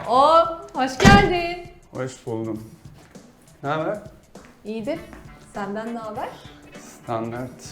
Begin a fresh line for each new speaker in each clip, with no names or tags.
Hoş geldin.
Hoş buldum. Ne haber?
İyidir. Senden ne haber?
Standart.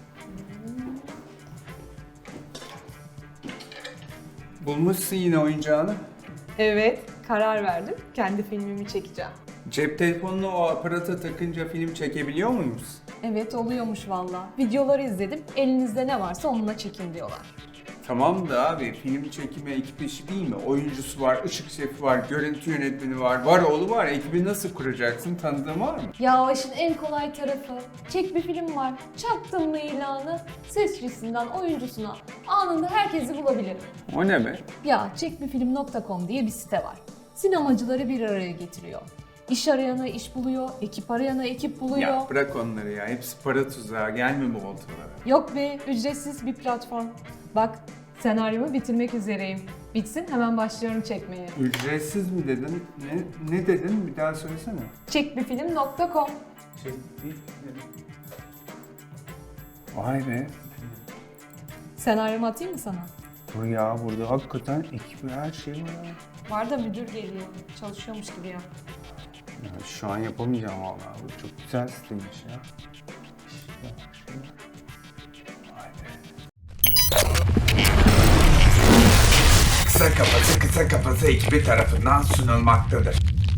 Bulmuşsun yine oyuncağını.
Evet, karar verdim. Kendi filmimi çekeceğim.
Cep telefonunu o aparata takınca film çekebiliyor muyuz?
Evet, oluyormuş valla. Videoları izledim. Elinizde ne varsa onunla çekin diyorlar.
Tamam da abi film çekimi ekip işi değil mi? Oyuncusu var, ışık şefi var, görüntü yönetmeni var oğlu var. Ekibi nasıl kuracaksın? Tanıdığın var mı?
Ya o işin en kolay tarafı. Çek bir film var. Çaktın mı ilanı? Sesçisinden oyuncusuna anında herkesi bulabilirim.
O ne be?
Ya çekbirfilm.com diye bir site var. Sinemacıları bir araya getiriyor. İş arayana iş buluyor, ekip arayana ekip buluyor.
Ya bırak onları ya. Hepsi para tuzağı. Gelme bu oltalara.
Yok be, ücretsiz bir platform. Bak, senaryomu bitirmek üzereyim. Bitsin hemen başlıyorum çekmeye.
Ücretsiz mi dedin? Ne dedin? Bir daha söylesene.
Çekbirfilm.com.
Vay be.
Senaryomu atayım mı sana?
Bu ya burada hakikaten ekip her şey var ya.
Var da müdür geliyor. Çalışıyormuş gibi ya.
Ya şu an yapamayacağım vallahi. Bu çok güzel siteymiş ya. Vay be.
Kısa Kafası ekibi tarafından sunulmaktadır.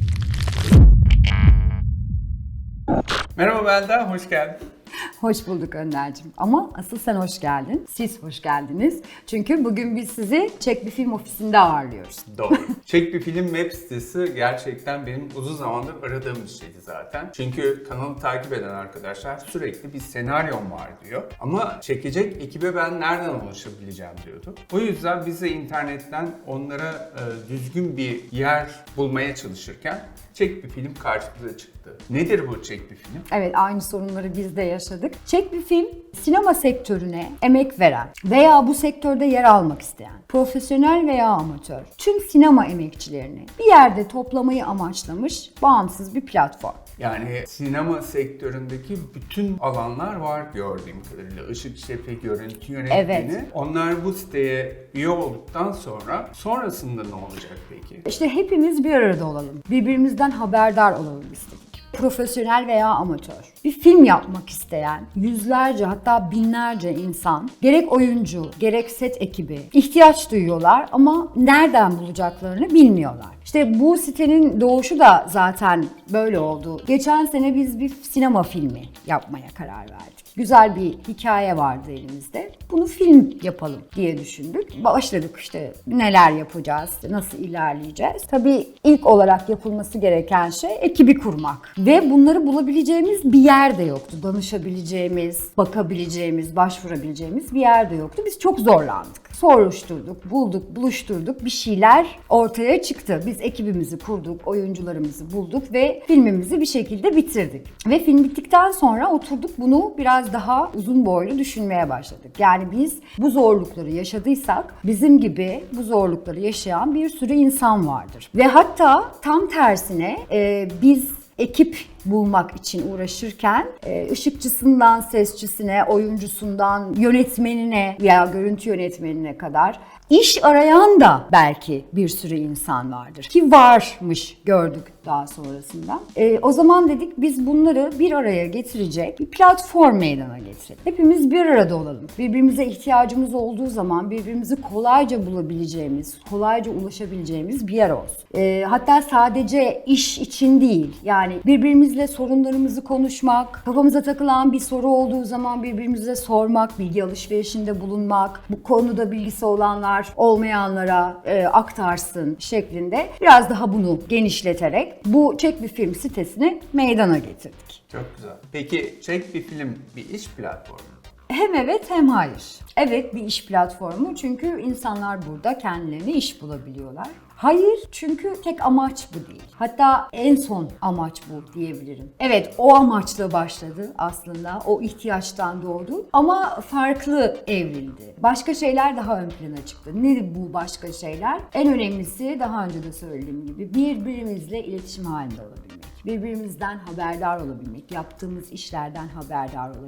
Merhaba Belda, hoş geldin.
Hoş bulduk Önder'cim. Ama asıl sen hoş geldin. Siz hoş geldiniz. Çünkü bugün biz sizi Çek Bir Film ofisinde ağırlıyoruz.
Doğru. Çek Bir Film web sitesi gerçekten benim uzun zamandır aradığım bir şeydi zaten. Çünkü kanalı takip eden arkadaşlar sürekli bir senaryom var diyor. Ama çekecek ekibe ben nereden ulaşabileceğim diyordu. O yüzden biz de internetten onlara düzgün bir yer bulmaya çalışırken Çek Bir Film karşımıza çıktı. Nedir bu Çek Bir Film?
Evet, aynı sorunları biz de yaşadık. Çek Bir Film, sinema sektörüne emek veren veya bu sektörde yer almak isteyen, profesyonel veya amatör, tüm sinema emekçilerini bir yerde toplamayı amaçlamış bağımsız bir platform.
Yani sinema sektöründeki bütün alanlar var gördüğüm kadarıyla. Işık şefi, görüntü yönetmeni.
Evet.
Onlar bu siteye üye olduktan sonra sonrasında ne olacak peki?
İşte hepimiz bir arada olalım, birbirimizden haberdar olalım istedik. Profesyonel veya amatör, bir film yapmak isteyen yüzlerce hatta binlerce insan, gerek oyuncu, gerek set ekibi ihtiyaç duyuyorlar ama nereden bulacaklarını bilmiyorlar. İşte bu sitenin doğuşu da zaten böyle oldu. Geçen sene biz bir sinema filmi yapmaya karar verdik. Güzel bir hikaye vardı elimizde. Bunu film yapalım diye düşündük. Başladık işte neler yapacağız, nasıl ilerleyeceğiz. Tabii ilk olarak yapılması gereken şey ekibi kurmak. Ve bunları bulabileceğimiz bir yer de yoktu. Danışabileceğimiz, bakabileceğimiz, başvurabileceğimiz bir yer de yoktu. Biz çok zorlandık. Soruşturduk, bulduk, buluşturduk, bir şeyler ortaya çıktı. Biz ekibimizi kurduk, oyuncularımızı bulduk ve filmimizi bir şekilde bitirdik. Ve film bittikten sonra oturduk bunu biraz daha uzun boylu düşünmeye başladık. Yani biz bu zorlukları yaşadıysak bizim gibi bu zorlukları yaşayan bir sürü insan vardır. Ve hatta tam tersine biz ekip bulmak için uğraşırken ışıkçısından sesçisine, oyuncusundan yönetmenine veya görüntü yönetmenine kadar iş arayan da belki bir sürü insan vardır. Ki varmış gördük daha sonrasında. O zaman dedik biz bunları bir araya getirecek bir platform meydana getirelim. Hepimiz bir arada olalım. Birbirimize ihtiyacımız olduğu zaman birbirimizi kolayca bulabileceğimiz, kolayca ulaşabileceğimiz bir yer olsun. Hatta sadece iş için değil, yani birbirimizle sorunlarımızı konuşmak, kafamıza takılan bir soru olduğu zaman birbirimize sormak, bilgi alışverişinde bulunmak, bu konuda bilgisi olanlar olmayanlara aktarsın şeklinde biraz daha bunu genişleterek bu Çek Bir Film sitesini meydana getirdik.
Çok güzel. Peki Çek Bir Film bir iş platformu.
Hem evet hem hayır. Evet bir iş platformu çünkü insanlar burada kendilerine iş bulabiliyorlar. Hayır çünkü tek amaç bu değil. Hatta en son amaç bu diyebilirim. Evet o amaçla başladı aslında. O ihtiyaçtan doğdu ama farklı evrildi. Başka şeyler daha ön plana çıktı. Nedir bu başka şeyler? En önemlisi daha önce de söylediğim gibi birbirimizle iletişim halinde olabilmek. Birbirimizden haberdar olabilmek. Yaptığımız işlerden haberdar olabilmek.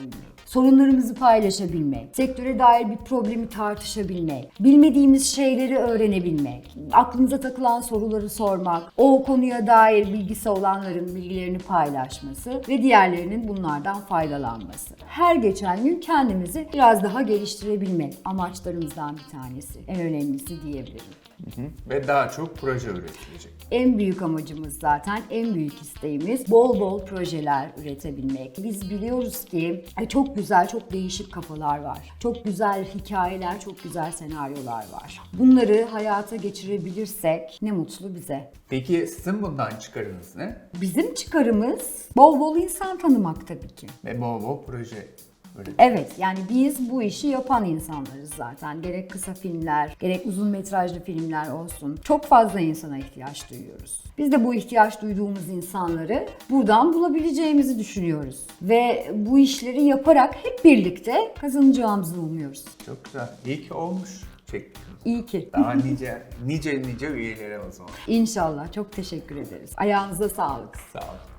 sorunlarımızı paylaşabilmek, sektöre dair bir problemi tartışabilmek, bilmediğimiz şeyleri öğrenebilmek, aklımıza takılan soruları sormak, o konuya dair bilgisi olanların bilgilerini paylaşması ve diğerlerinin bunlardan faydalanması. Her geçen gün kendimizi biraz daha geliştirebilmek amaçlarımızdan bir tanesi. En önemlisi diyebilirim.
Ve daha çok proje üretilecek.
En büyük amacımız zaten, en büyük isteğimiz bol bol projeler üretebilmek. Biz biliyoruz ki çok güzel, çok değişik kafalar var. Çok güzel hikayeler, çok güzel senaryolar var. Bunları hayata geçirebilirsek ne mutlu bize.
Peki sizin bundan çıkarınız ne?
Bizim çıkarımız bol bol insan tanımak tabii ki.
Ve bol bol proje üretmek.
Evet, yani biz bu işi yapan insanlarız zaten. Gerek kısa filmler, gerek uzun metrajlı filmler olsun. Çok fazla insana ihtiyaç duyuyoruz. Biz de bu ihtiyaç duyduğumuz insanları buradan bulabileceğimizi düşünüyoruz. Ve bu işleri yaparak hep birlikte kazanacağımızı umuyoruz.
Çok güzel. İyi ki olmuş. Çektik.
İyi ki.
Daha nice üyelere o zaman.
İnşallah. Çok teşekkür ederiz. Ayağınıza sağlık.
Sağ olun.